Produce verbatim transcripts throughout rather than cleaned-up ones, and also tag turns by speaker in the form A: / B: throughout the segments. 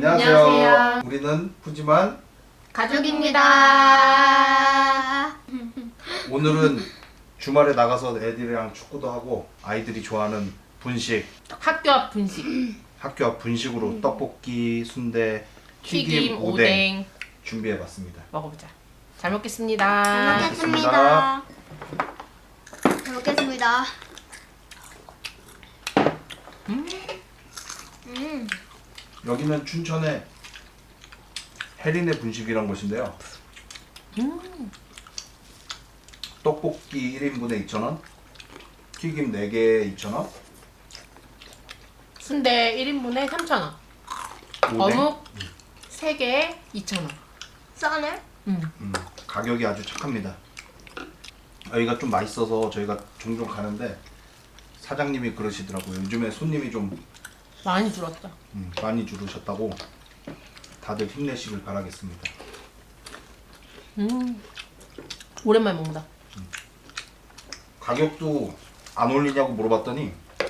A: 안녕하세요.
B: 안녕하세요.
A: 우리는 푸짐한
B: 가족입니다.
A: 오늘은 주말에 나가서 애들이랑 축구도 하고 아이들이 좋아하는 분식,
B: 학교 앞 분식,
A: 학교 앞 분식으로 떡볶이, 순대, 튀김,
B: 튀김,
A: 오뎅,
B: 오뎅
A: 준비해봤습니다.
B: 먹어보자. 잘 먹겠습니다.
A: 잘
C: 먹겠습니다. 잘 먹겠습니다.
B: 음,
C: 음,
A: 여기는 춘천의 혜린의 분식이란 곳인데요.
B: 음,
A: 떡볶이 일 인분에 이천 원, 튀김 네 개에 이천 원,
B: 순대 일 인분에 삼천 원,
A: 오뎅.
B: 어묵 세 개에 이천 원.
C: 싸네.
B: 음.
A: 음, 가격이 아주 착합니다. 여기가 좀 맛있어서 저희가 종종 가는데 사장님이 그러시더라고요. 요즘에 손님이 좀
B: 많이 줄었다.
A: 음, 많이 줄으셨다고. 다들 힘내시길 바라겠습니다.
B: 음, 오랜만에 먹는다.
A: 가격도 안 올리냐고 물어봤더니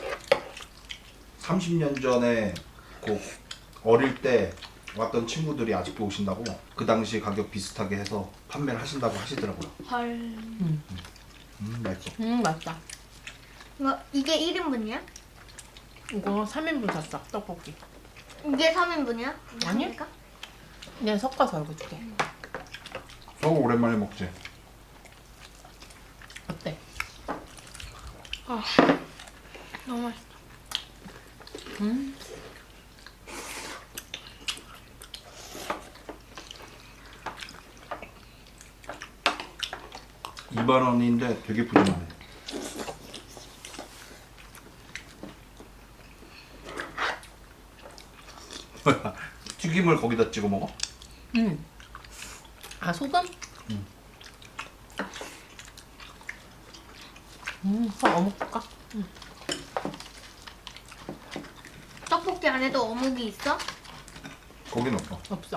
A: 삼십 년 전에 그 어릴 때 왔던 친구들이 아직도 오신다고 그 당시 가격 비슷하게 해서 판매를 하신다고 하시더라고요.
C: 헐.
B: 음,
A: 음, 맛있어.
B: 음 맛있다.
C: 이거 이게 일 인분이야?
B: 이거 삼 인분 샀어, 떡볶이.
C: 이게 삼 인분이야?
B: 아니. 그냥 섞어서 이거 줄게.
A: 저거 오랜만에 먹지.
B: 어때?
C: 너무 맛있어.
B: 음,
A: 이만 원인데 되게 푸짐하네. 튀김을 거기다 찍어 먹어?
B: 음. 아 소금?
A: 음.
B: 음, 그럼 어묵 줄까?
C: 떡볶이 안에도 어묵이 있어?
A: 거긴 없어.
B: 없어.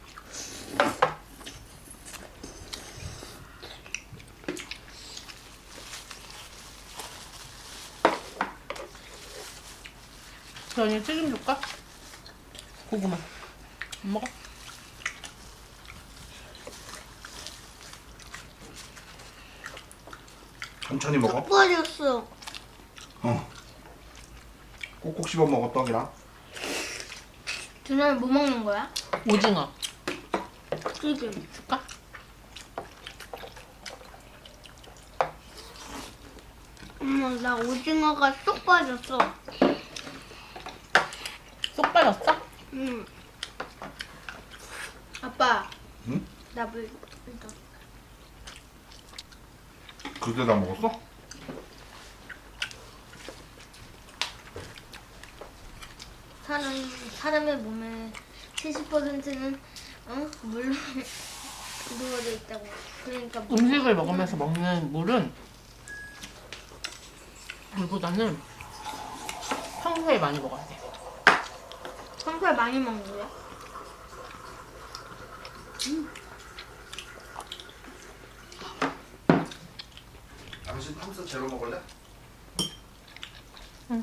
B: 저희 튀김 줄까? 고구마. 안 먹어?
A: 천천히 먹어.
C: 빠졌어.
A: 어. 꼭꼭 씹어 먹어 떡이랑.
C: 준호는 뭐 먹는 거야?
B: 오징어
C: 튀김.
B: 줄까?
C: 엄마, 나 오징어가 쏙 빠졌어.
B: 쏙 빠졌어?
C: 응. 아빠,
A: 응?
C: 나 물, 물 더.
A: 그때 다 먹었어?
C: 사람, 사람의 몸의 칠십 퍼센트는 어? 물로 이루어져 있다고. 그러니까 물-
B: 음식을 먹으면서 먹는 물은 물보다는 평소에 많이 먹어야 돼.
C: 평소에 많이 먹는 거야?
A: 당신 탐스 제로 먹을래?
B: 응.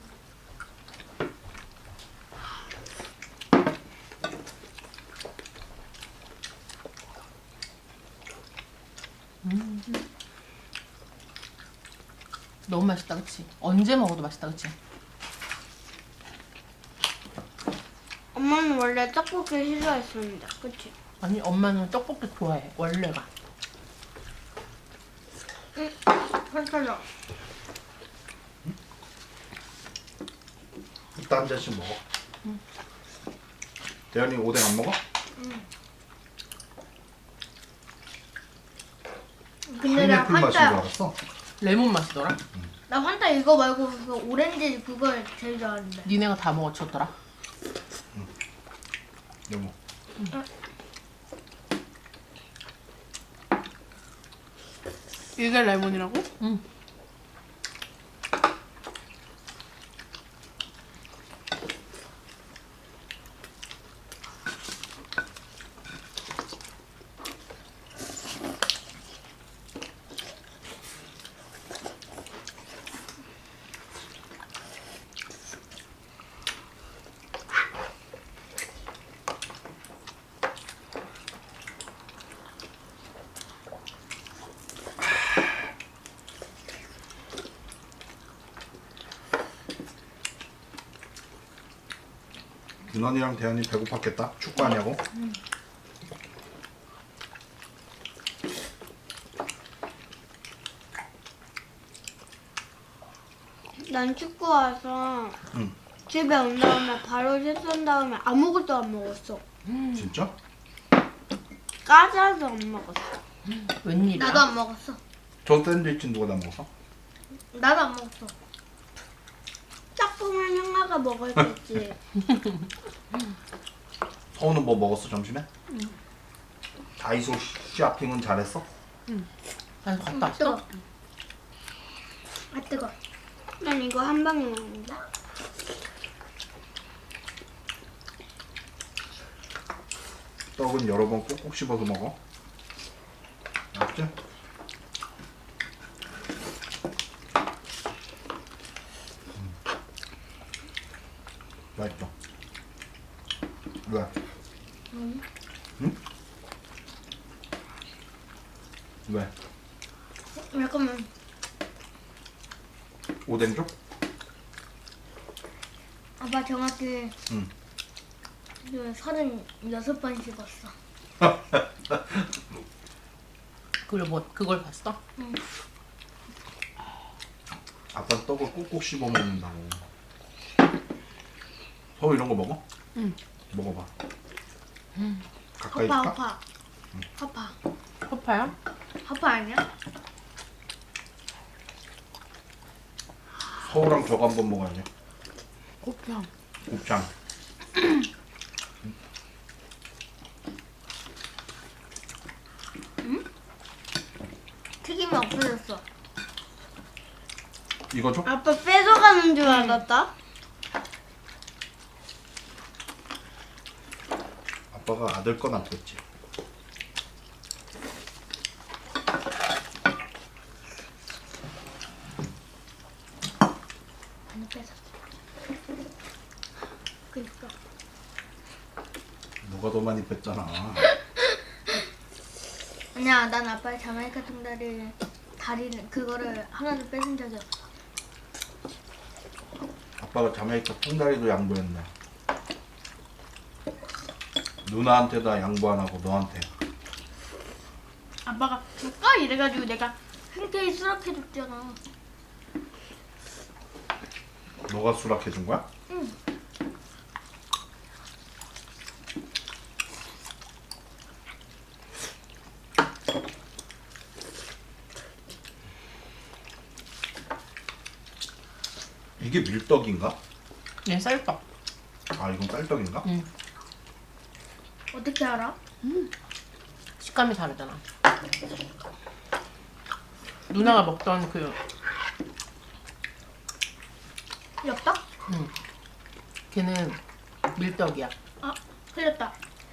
B: 음. 너무 맛있다, 그치? 언제 먹어도 맛있다, 그치?
C: 엄마는 원래 떡볶이 싫어했습니다. 그치?
B: 아니, 엄마는 떡볶이 좋아해, 원래가.
C: 응. 괜찮아.
A: 이따 한 잔씩 먹어. 대현이 오뎅 안 먹어?
C: 근데 나
A: 파인애플 맛인 줄
C: 환타,
A: 알았어.
B: 레몬 맛이더라?
C: 나 환타 이거 말고 그 오렌지 그걸 제일 좋아하는데.
B: 니네가 다 먹어쳤더라?
A: 여보.
B: 이게 레몬이라고? 응.
A: 윤원이랑 대현이 배고팠겠다. 축구하냐고.
C: 난 축구 와서
A: 응.
C: 집에 온 다음에 바로 씻은 다음에 아무것도 안 먹었어.
A: 진짜?
C: 까자도 안 먹었어.
B: 웬일이야?
C: 나도 안 먹었어.
A: 저 샌드위치 누가 다 먹었어?
C: 나도 안 먹었어. 딱 보면 형아가 먹을 수 있지.
A: 서우는 뭐 먹었어 점심에? 다이소 쇼핑은 잘했어?
B: 난 갔다
C: 뜨거.
B: 왔어?
C: 아 뜨거. 난 이거 한 방에 먹는다.
A: 떡은 여러 번 꼭꼭 씹어서 먹어. 알았지? 음. 맛있어. 왜?
C: 응.
A: 응? 왜?
C: 잠깐만.
A: 오뎅죽?
C: 아빠 정확히
A: 응.
C: 그 서른여섯 번 씹었어.
B: 그걸 뭐 그걸 봤어?
C: 응.
A: 아빠 떡을 꼭꼭 씹어 먹는다고. 서우 이런 거 먹어?
B: 응.
A: 먹어봐. 가까이
C: 허파
A: 줄까?
C: 허파. 허파.
B: 허파야?
C: 허파 아니야?
A: 서우랑 저거 한번 먹어야지.
B: 곱창.
A: 곱창.
C: 튀김이 없어졌어.
A: 이거 줘?
C: 아빠 뺏어가는 줄 알았다.
A: 아빠가 아들 건 안 뺐지.
C: 안 뺏었어. 그니까.
A: 누가 더 많이 뺐잖아.
C: 아니야, 난 아빠의 자메이카 통다리 다리는 그거를 하나도 뺏은 적이 없어.
A: 아빠가 자메이카 통다리도 양보했네. 누나한테다 양보 안 하고 너한테.
C: 아빠가 줄까 이래가지고 내가 흔쾌히 수락해줬잖아.
A: 너가 수락해 준 거야?
C: 응.
A: 이게 밀떡인가?
B: 얘 쌀떡.
A: 아 이건 쌀떡인가?
B: 응.
C: 어떻게 알아?
B: 식감이 다르잖아. 누나가 먹던 그
C: 엽떡?
B: 응. 걔는 밀떡이야.
C: 아, 흘렸다.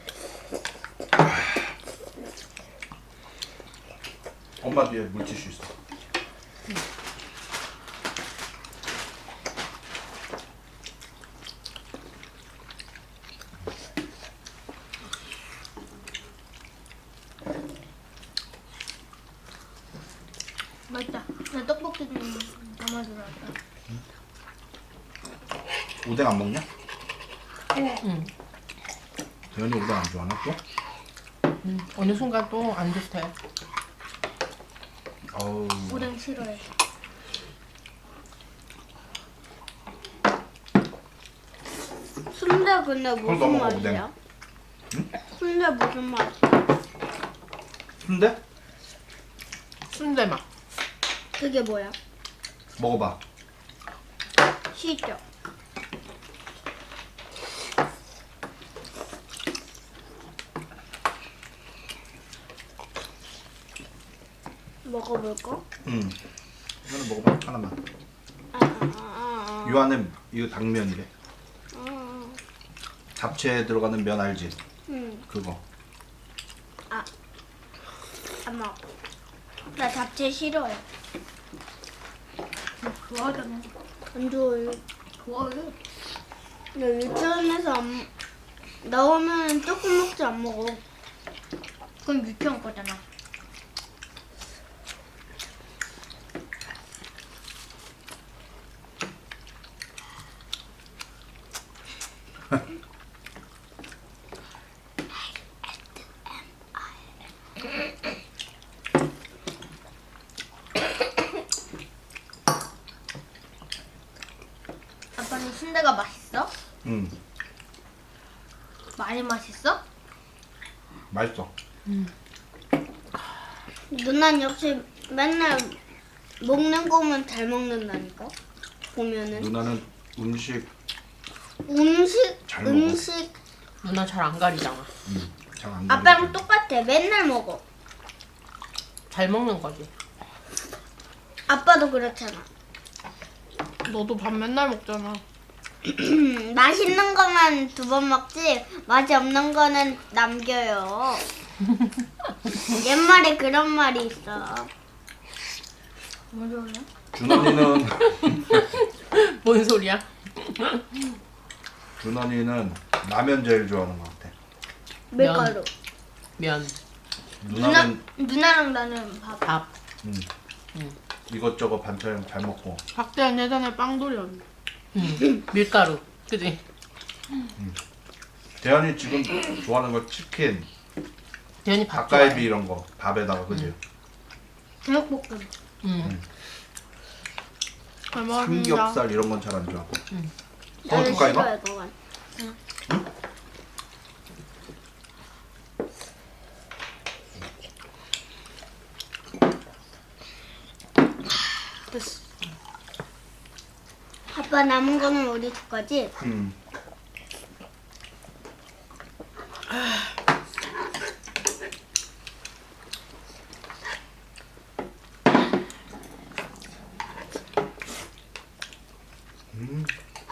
A: 엄마 뒤에 물티슈 있어.
C: 맛있다. 나 떡볶이 좀 담아주라.
A: 오뎅 안 먹냐?
B: 응.
A: 대현이 오뎅 안 좋아하나 또?
B: 응. 어느 순간 또 안 좋대.
A: 어우.
C: 오뎅 싫어해. 순대 근데
A: 그럼
C: 무슨
A: 넘어가,
C: 맛이야?
A: 응?
C: 순대 무슨 맛이야?
A: 순대?
B: 순대 맛.
C: 그게 뭐야?
A: 먹어봐.
C: 시죠? 먹어볼까?
A: 응. 이거는 먹어봐 하나만.
C: 아, 아, 아,
A: 이 안에 이거 당면이래.
C: 아, 아.
A: 잡채에 들어가는 면 알지?
C: 응,
A: 그거.
C: 아, 안 먹어. 나 잡채 싫어해. 좋아하잖아. 안 좋아해. 좋아해. 나 유치원에서 안, 나오면 조금 먹지 안 먹어. 그건 유치원 거잖아. 아빠는 순대가 맛있어?
A: 음
C: 많이 맛있어?
A: 맛있어.
D: 누난 역시 맨날 먹는 거면 잘 먹는다니까. 보면은
A: 누나는 음식
D: 음식
A: 잘 먹어.
D: 음식
B: 누나 잘 안 가리잖아.
A: 음, 잘안
D: 아빠랑 똑같아. 맨날 먹어.
B: 잘 먹는 거지.
D: 아빠도 그렇잖아.
B: 너도 밥 맨날 먹잖아.
D: 음, 맛있는 거만 두 번 먹지 맛이 없는 거는 남겨요. 옛말에 그런 말이 있어.
C: 뭐 좋아해?
A: 준원이는
B: 뭔 소리야?
A: 준원이는 라면 제일 좋아하는 것 같아.
D: 밀가루.
B: 면,
C: 누나,
A: 누나는
C: 누나랑 나는 밥.
B: 밥.
A: 음,
B: 음.
A: 이것저것 반찬 잘 먹고.
E: 박대현 예전에 빵돌이었는데.
B: 음. 밀가루. 그지?
A: 대현이 지금 좋아하는 거 치킨,
B: 대현이 밥
A: 닭갈비
B: 좋아해.
A: 이런 거 밥에다가 그지?
C: 제육볶음.
B: 음.
E: 잘 먹었습니다.
A: 삼겹살 이런 건 잘 안 좋아하고.
B: 음.
A: 더
D: 나는
A: 줄까 이거?
D: 싫어해 그건.
E: 됐어.
D: 아빠 남은 거는 우리 줄 거지?
A: 음. 음.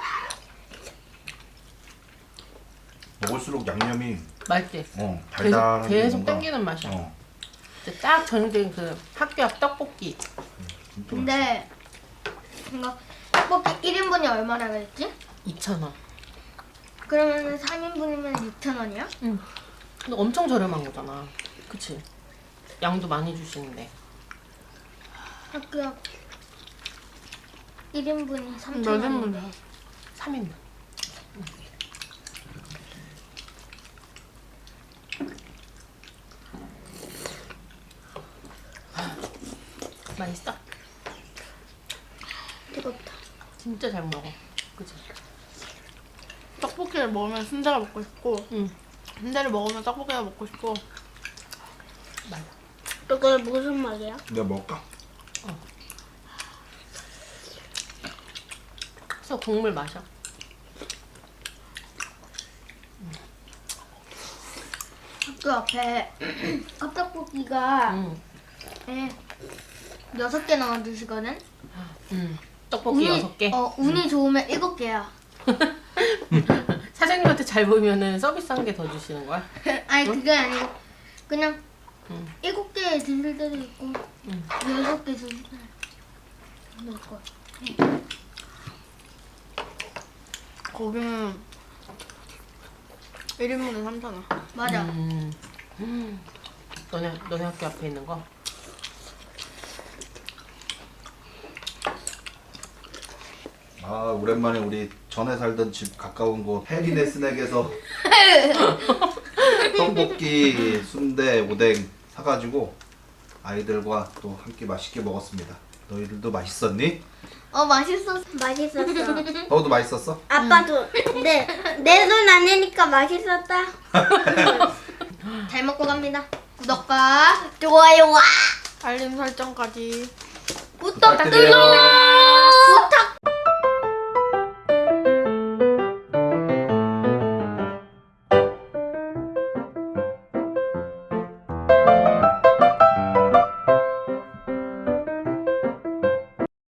A: 먹을수록 양념이
B: 맛있지?
A: 어
B: 계속,
A: 달달한 게
B: 계속
A: 뭔가-
B: 땡기는 맛이야.
A: 어,
B: 이제 딱 정해진 그 학교 앞 떡볶이.
A: 진짜 맛있어.
C: 근데 이거 떡볶이 일 인분이 얼마나 그랬지?
B: 이천 원.
C: 그러면 삼 인분이면 육천 원이야?
B: 응. 근데 엄청 저렴한 거잖아. 그치? 양도 많이 주시는데.
C: 학교 앞 일 인분이 삼천
E: 몇
C: 원.
E: 인분이야?
B: 삼 인분. 맛있어?
D: 뜨겁다.
B: 진짜 잘 먹어. 그치?
E: 떡볶이를 먹으면 순대가 먹고 싶고
B: 응.
E: 순대를 먹으면 떡볶이가 먹고 싶고
B: 맞아.
D: 그거 무슨 말이야?
A: 내가 먹을까?
B: 그래서 국물 마셔.
C: 학교 앞에 컵떡볶이가
B: 응.
C: 예, 여섯 개 나와주시거든?
B: 응. 떡볶이 여섯 개.
C: 어, 운이 좋으면 일곱 개야.
B: 사장님한테 잘 보이면은 서비스 한 개 더 주시는 거야?
C: 아니 그게 아니고 그냥
B: 응.
C: 일곱 개 드실 때도 있고
B: 응.
C: 여섯 개 드실 때도 있고.
E: 거기는 일 인분에 삼천 원.
C: 맞아.
B: 음. 음. 너네 너네 학교 앞에 있는 거?
A: 아 오랜만에 우리 전에 살던 집 가까운 곳 해리네 스낵에서 떡볶이, 순대, 오뎅 사가지고 아이들과 또 함께 맛있게 먹었습니다. 너희들도 맛있었니?
C: 어 맛있었어.
D: 맛있었어.
A: 너도 맛있었어?
D: 아빠도 네, 내 손 아니니까 맛있었다.
C: 잘 먹고 갑니다. 구독과
D: 좋아요와
E: 알림 설정까지.
C: 부탁드려요.
A: 부탁드려요.